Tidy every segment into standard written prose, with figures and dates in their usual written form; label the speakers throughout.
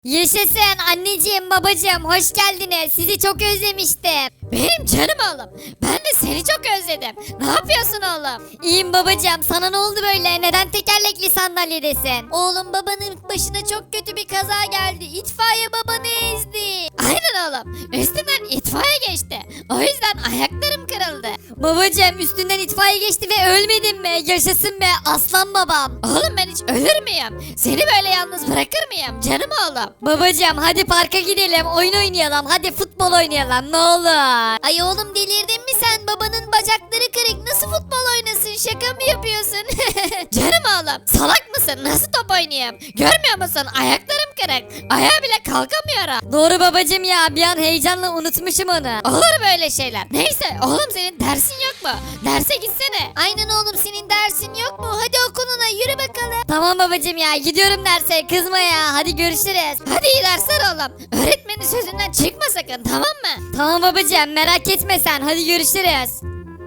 Speaker 1: Yaşasın anneciğim babacığım hoş geldiniz. Sizi çok özlemiştim. Benim canım oğlum. Ben de seni çok özledim. Ne yapıyorsun oğlum? İyiyim babacığım. Sana ne oldu böyle? Neden tekerlekli sandalyedesin? Oğlum babanın başına çok kötü bir kaza geldi. İtfaiye babanı ezdi. Aynen oğlum. Üstünden itfaiye geçti. O yüzden ayaklarım kırıldı. Babacığım üstünden itfaiye geçti ve ölmedin mi? Yaşasın be aslan babam. Oğlum ben hiç ölür müyüm? Seni böyle yalnız bırakır mıyım? Canım oğlum. Babacığım hadi parka gidelim. Oyun oynayalım. Hadi futbol oynayalım ne olur. Ay oğlum delirdin mi sen? Babanın bacakları kırık. Nasıl futbol oynasın? Şaka mı yapıyorsun? Canım oğlum. Salak mısın? Nasıl top oynayayım? Görmüyor musun? Ayaklarım kırık. Ayağa bile kalkamıyorum. Doğru babacığım ya. Bir an heyecanla unutmuşum onu. Olur böyle şeyler. Neyse oğlum senin dersin yok mu? Derse gitsene. Aynen oğlum senin dersin yok mu? Hadi okuluna yürü bakalım. Tamam babacığım ya. Gidiyorum derse. Kızma ya. Hadi görüşürüz. Hadi iyi dersler oğlum. Öğretmenin sözünden çıkma sakın tamam mı? Tamam babacığım merak etme sen. Hadi görüşürüz.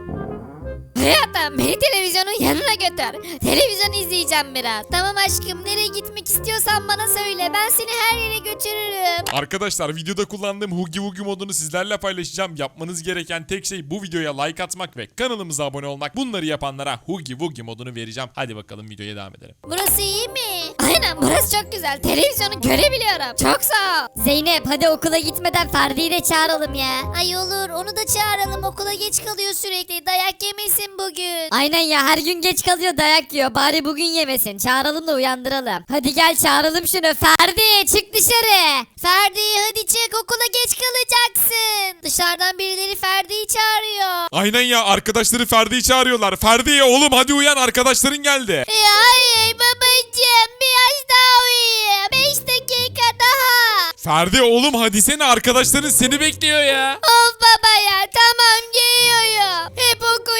Speaker 1: Hayatım beni televizyonun yanına götür. Televizyon izleyeceğim biraz. Tamam aşkım nereye gitmek istiyorsan bana söyle. Ben seni her yere götürürüm.
Speaker 2: Arkadaşlar videoda kullandığım Huggy Wuggy modunu sizlerle paylaşacağım. Yapmanız gereken tek şey bu videoya like atmak ve kanalımıza abone olmak. Bunları yapanlara Huggy Wuggy modunu vereceğim. Hadi bakalım videoya devam edelim.
Speaker 1: Burası iyi mi? Aynen burası çok güzel. Televizyonu görebiliyorum. Çok sağ ol. Zeynep hadi okula gitmeden Ferdi'yi de çağıralım ya. Ay olur onu da çağıralım. Okula geç kalıyor sürekli. Dayak yemesin bugün. Aynen ya her gün geç kalıyor dayak yiyor. Bari bugün yemesin. Çağıralım da uyandıralım. Hadi gel çağıralım şunu. Ferdi çık dışarı. Ferdi hadi çık okula geç kalacaksın. Dışarıdan birileri Ferdi'yi çağırıyor.
Speaker 2: Aynen ya arkadaşları Ferdi'yi çağırıyorlar. Ferdi oğlum hadi uyan arkadaşların geldi.
Speaker 1: Hayır babacığım biraz daha uyuyayım. 5 dakika daha.
Speaker 2: Ferdi oğlum hadi sene arkadaşların seni bekliyor ya.
Speaker 1: Of baba ya tamam geliyorum. Hep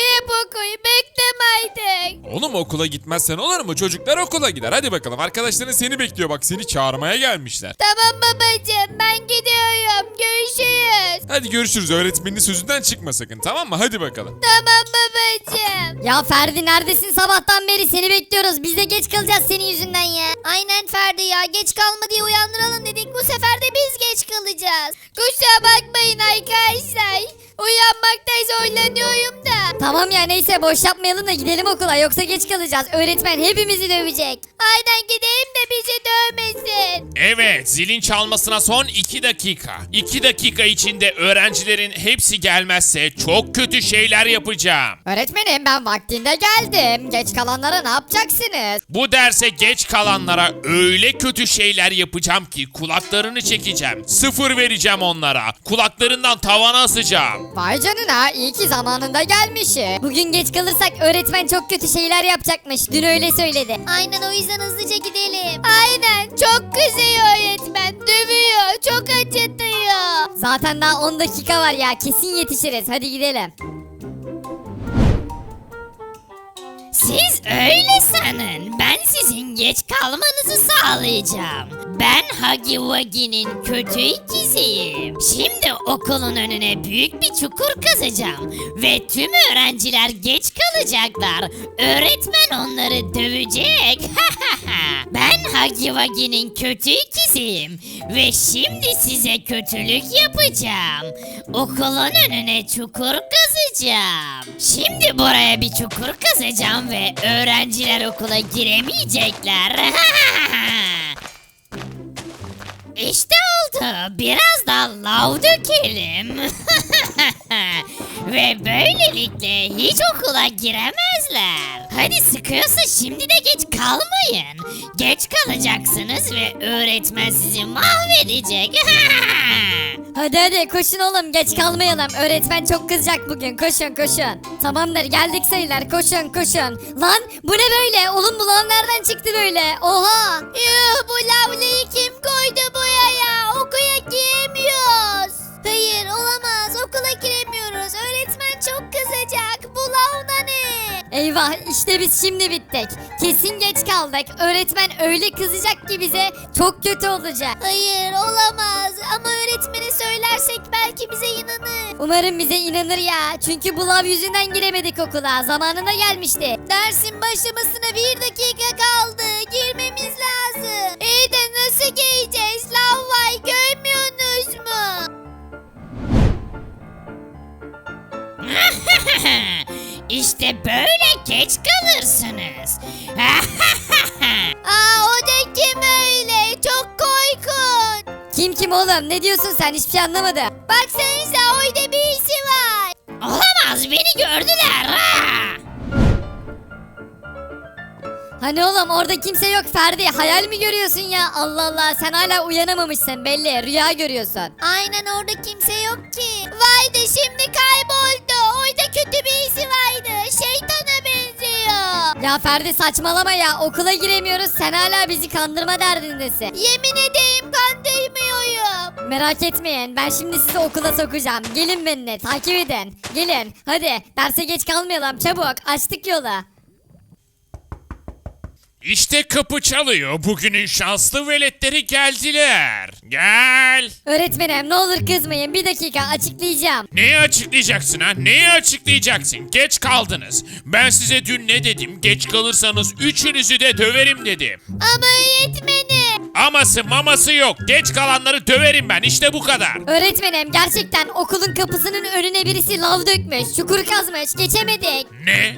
Speaker 1: oku bekleme artık.
Speaker 2: Oğlum okula gitmezsen olur mu? Çocuklar okula gider. Hadi bakalım arkadaşların seni bekliyor bak seni çağırmaya gelmişler.
Speaker 1: Tamam babacığım ben gidiyorum görüşürüz.
Speaker 2: Hadi görüşürüz öğretmenin sözünden çıkma sakın tamam mı? Hadi bakalım.
Speaker 1: Tamam babacığım. Ya Ferdi neredesin sabahtan beri seni bekliyoruz. Biz de geç kalacağız senin yüzünden ya. Aynen Ferdi ya geç kalma diye uyandıralım dedik. Bu sefer de biz geç kalacağız. Kusura bakmayın arkadaşlar. Uyanmakta zorlanıyorum da. Tamam ya neyse boş yapmayalım da gidelim okula yoksa geç kalacağız. Öğretmen hepimizi dövecek. Aynen gidelim de bizi dövmesin.
Speaker 3: Evet, zilin çalmasına son 2 dakika. 2 dakika içinde öğrencilerin hepsi gelmezse çok kötü şeyler yapacağım.
Speaker 1: Öğretmenim ben vaktinde geldim. Geç kalanlara ne yapacaksınız?
Speaker 3: Bu derse geç kalanlara öyle kötü şeyler yapacağım ki kulaklarını çekeceğim. 0 vereceğim onlara. Kulaklarından tavana asacağım.
Speaker 1: Vay canına iyi ki zamanında gelmişim. Bugün geç kalırsak öğretmen çok kötü şeyler yapacakmış. Dün öyle söyledi. Aynen o yüzden hızlıca gidelim. Aynen çok kızıyor öğretmen. Dövüyor çok acıtıyor. Zaten daha 10 dakika var ya kesin yetişiriz. Hadi gidelim. Siz öyle sanın. Ben sizin geç kalmanızı sağlayacağım. Ben Huggy Wuggy'nin kötü ikiziyim. Şimdi okulun önüne büyük bir çukur kazacağım. Ve tüm öğrenciler geç kalacaklar. Öğretmen onları dövecek. Ben Huggy Wuggy'nin kötü ikiziyim. Ve şimdi size kötülük yapacağım. Okulun önüne çukur kazacağım. Şimdi buraya bir çukur kazacağım ve öğrenciler okula giremeyecekler. İşte oldu. Biraz daha lav dökelim. Ve böylelikle hiç okula giremezler. Hadi sıkıyorsa şimdi de geç kalmayın. Geç kalacaksınız ve öğretmen sizi mahvedecek. Hadi koşun oğlum geç kalmayalım. Öğretmen çok kızacak bugün. Koşun. Tamamdır geldik sayılar. Koşun. Lan bu ne böyle? Oğlum bu lav nereden çıktı böyle? Oha. Yuh bu lavlayı kim koydu buraya? Okula giremiyoruz. Hayır olamaz okula giremiyoruz. Öğretmen çok kızacak. Bu lav da ne? Eyvah işte biz şimdi bittik. Kesin geç kaldık. Öğretmen öyle kızacak ki bize çok kötü olacak. Hayır olamaz ama öğretmene söylersek belki bize inanır. Umarım bize inanır ya. Çünkü bu lav yüzünden giremedik okula. Zamanında gelmişti. Dersin başlamasına 1 dakika kaldı. Girmemiz lazım. İyi de nasıl gireceğiz? Lav
Speaker 4: İşte böyle geç kalırsınız.
Speaker 1: Aa, o da kim öyle? Çok korkunç. Kim oğlum? Ne diyorsun sen? Hiçbir şey anlamadım. Baksanıza orada birisi var.
Speaker 4: Olamaz, beni gördüler.
Speaker 1: Hani oğlum orada kimse yok Ferdi. Hayal mi görüyorsun ya? Allah Allah, sen hala uyanamamışsın belli. Rüya görüyorsun. Aynen, orada kimse yok ki. Vardı, şimdi kayboldu. Orada kötü birisi vardı. Şeytana benziyor. Ya Ferdi saçmalama ya. Okula giremiyoruz. Sen hala bizi kandırma derdindesin. Yemin edeyim kandırmıyorum. Merak etmeyin. Ben şimdi sizi okula sokacağım. Gelin benimle. Takip edin. Gelin. Hadi. Derse geç kalmayalım. Çabuk. Açtık yola.
Speaker 3: İşte kapı çalıyor. Bugünün şanslı veletleri geldiler. Gel.
Speaker 1: Öğretmenim ne olur kızmayın. Bir dakika açıklayacağım.
Speaker 3: Neyi açıklayacaksın ha? Neyi açıklayacaksın? Geç kaldınız. Ben size dün ne dedim? Geç kalırsanız üçünüzü de döverim dedim.
Speaker 1: Ama öğretmenim.
Speaker 3: Aması maması yok. Geç kalanları döverim ben. İşte bu kadar.
Speaker 1: Öğretmenim gerçekten okulun kapısının önüne birisi lav dökmüş. Çukur kazmış. Geçemedik.
Speaker 3: Ne?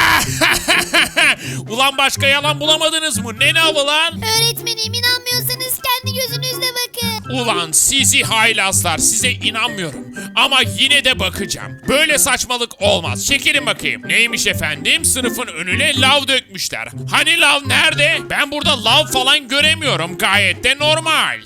Speaker 3: Ulan başka yalan bulamadınız mı? Ne navı lan?
Speaker 1: Öğretmenim inanmıyorsanız kendi gözünüzle bakın.
Speaker 3: Ulan sizi haylazlar, size inanmıyorum. Ama yine de bakacağım. Böyle saçmalık olmaz. Çekilin bakayım. Neymiş efendim? Sınıfın önüne lav dökmüşler. Hani lav nerede? Ben burada lav falan göremiyorum. Gayet de normal.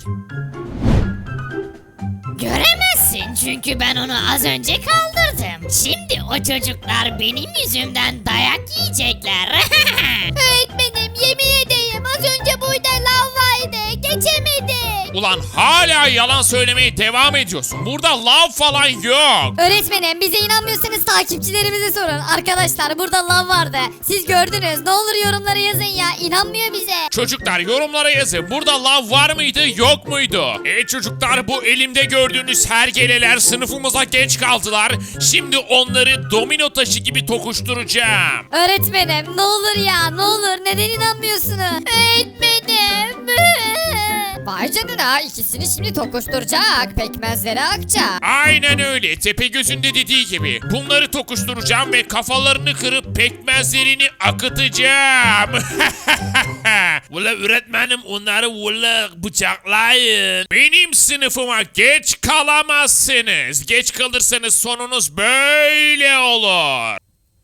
Speaker 4: Göremezsin çünkü ben onu az önce kaldırdım. Şimdi o çocuklar benim yüzümden dayak yiyecekler.
Speaker 1: Öğretmenim yemin edeyim az önce burada lav vardı. Geçemedik.
Speaker 3: Ulan hala yalan söylemeye devam ediyorsun. Burada lav falan yok.
Speaker 1: Öğretmenim bize inanmıyorsanız takipçilerimize sorun. Arkadaşlar burada lav vardı. Siz gördünüz. Ne olur yorumlara yazın ya. İnanmıyor bize.
Speaker 3: Çocuklar yorumlara yazın. Burada lav var mıydı yok muydu? Çocuklar bu elimde gördüğünüz hergeleler sınıfımıza geç kaldılar. Şimdi onları domino taşı gibi tokuşturacağım.
Speaker 1: Öğretmenim ne olur ya ne olur. Neden inanmıyorsunuz? Öğretmenim. Vay canına ikisini şimdi tokuşturacak. Pekmezleri akacak.
Speaker 3: Aynen öyle. Tepegöz'ün de dediği gibi. Bunları tokuşturacağım ve kafalarını kırıp pekmezlerini akıtacağım. Ula öğretmenim onları bıçaklayın. Benim sınıfıma geç kalamazsınız. Geç kalırsanız sonunuz böyle olur.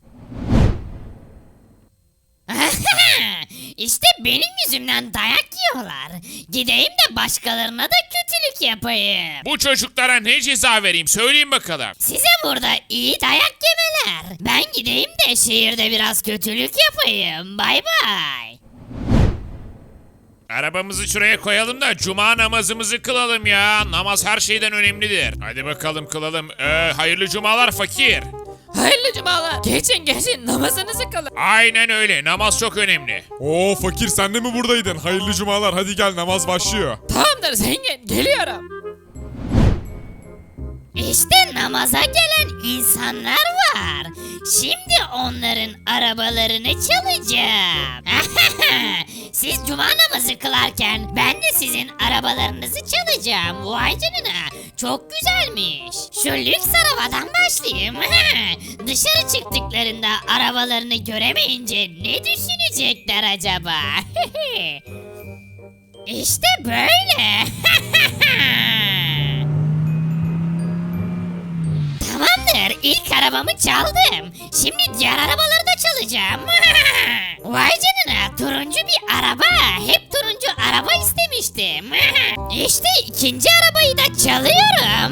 Speaker 4: İşte benim yüzümden dayak yiyorlar. Gideyim de başkalarına da kötülük yapayım.
Speaker 3: Bu çocuklara ne ceza vereyim söyleyin bakalım.
Speaker 4: Size burada iyi dayak yemeler. Ben gideyim de şehirde biraz kötülük yapayım. Bay bay.
Speaker 3: Arabamızı şuraya koyalım da cuma namazımızı kılalım ya. Namaz her şeyden önemlidir. Hadi bakalım kılalım. Hayırlı cumalar fakir.
Speaker 5: Hayırlı cumalar. Geçin namazınızı kılın.
Speaker 3: Aynen öyle. Namaz çok önemli.
Speaker 2: Oo fakir sen de mi buradaydın? Hayırlı cumalar, hadi gel namaz başlıyor.
Speaker 5: Tamamdır zengin geliyorum.
Speaker 4: İşte namaza gelen insanlar var. Şimdi onların arabalarını çalacağım. Siz cuma namazı kılarken ben de sizin arabalarınızı çalacağım. Vay canına. Çok güzelmiş. Şu lüks arabadan başlayayım. Dışarı çıktıklarında arabalarını göremeyince ne düşünecekler acaba? İşte böyle. Tamamdır, ilk arabamı çaldım. Şimdi diğer arabaları da çalacağım. Vay canına, turuncu bir araba. Hep turuncu araba istemiştim. İşte ikinci arabayı da çalıyorum.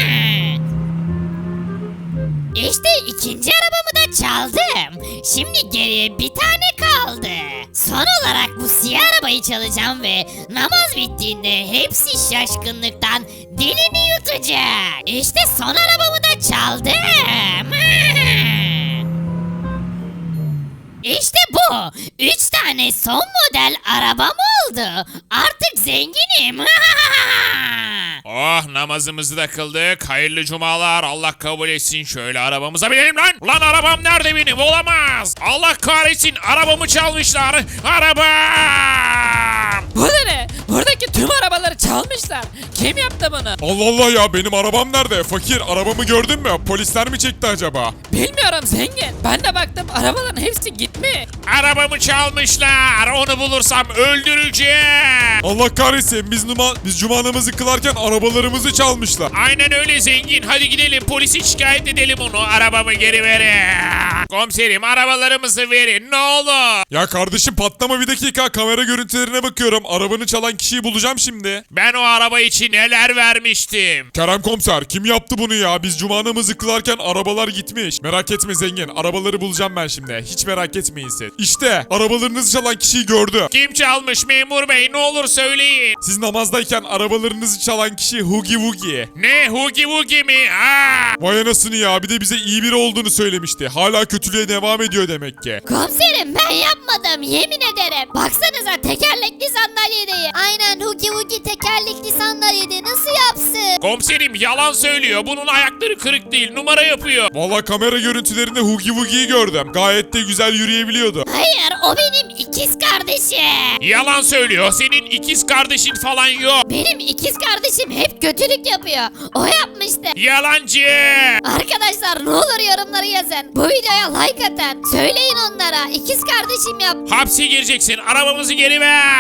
Speaker 4: İşte ikinci arabamı da çaldım. Şimdi geriye bir tane kaldı. Son olarak bu siyah arabayı çalacağım ve namaz bittiğinde hepsi şaşkınlıktan dilini yutacak. İşte son arabamı da çaldım. İşte bu. 3 tane son model arabam oldu. Artık zenginim.
Speaker 3: Oh namazımızı da kıldık. Hayırlı cumalar. Allah kabul etsin. Şöyle arabamıza binelim lan. Ulan arabam nerede benim? Olamaz. Allah kahretsin. Arabamı çalmışlar. Arabam.
Speaker 5: Bu da ne? Buradaki Tüm arabaları çalmışlar. Kim yaptı bunu?
Speaker 2: Allah Allah ya, benim arabam nerede? Fakir, arabamı gördün mü? Polisler mi çekti acaba?
Speaker 5: Bilmiyorum zengin. Ben de baktım arabaların hepsi gitmiş.
Speaker 3: Arabamı çalmışlar. Onu bulursam öldüreceğim.
Speaker 2: Allah kahretsin, biz cuma namazı kılarken arabalarımızı çalmışlar.
Speaker 3: Aynen öyle zengin. Hadi gidelim polisi şikayet edelim onu. Arabamı geri verin. Komiserim arabalarımızı verin ne olur.
Speaker 2: Ya kardeşim patlama, bir dakika, kamera görüntülerine bakıyorum. Arabanı çalan kişiyi bulacağım şimdi.
Speaker 3: Ben o araba için neler vermiştim.
Speaker 2: Kerem komiser, kim yaptı bunu ya? Biz cuma namazı kılarken arabalar gitmiş. Merak etme zengin, arabaları bulacağım ben şimdi. Hiç merak etmeyin siz. İşte arabalarınızı çalan kişiyi gördü.
Speaker 3: Kim çalmış memur bey ne olur söyleyin.
Speaker 2: Siz namazdayken arabalarınızı çalan kişi Hugi Wugi.
Speaker 3: Ne Hugi Wugi mi? Aa!
Speaker 2: Vay anasını ya, bir de bize iyi biri olduğunu söylemişti. Hala kötülüğe devam ediyor demek ki.
Speaker 1: Komiserim ben yapmadım yemin ederim. Baksanıza tekerlekli sandalyedeyim. Aynen Hugi Wugi tekerlekli sandalyede nasıl yapsın?
Speaker 3: Komiserim yalan söylüyor. Bunun ayakları kırık değil numara yapıyor.
Speaker 2: Valla kamera görüntülerinde Hugi Wugi'yi gördüm. Gayet de güzel yürüyebiliyordu.
Speaker 1: Hayır o benim ikiz kardeşim.
Speaker 3: Yalan söylüyor. Senin ikiz kardeşin falan yok.
Speaker 1: Benim ikiz kardeşim hep kötülük yapıyor. O yapmıştı.
Speaker 3: Yalancı.
Speaker 1: Arkadaşlar ne olur yorumları yazın. Bu videoya like atın. Söyleyin onlara ikiz kardeşim yaptı.
Speaker 3: Hapse gireceksin. Arabamızı geri ver.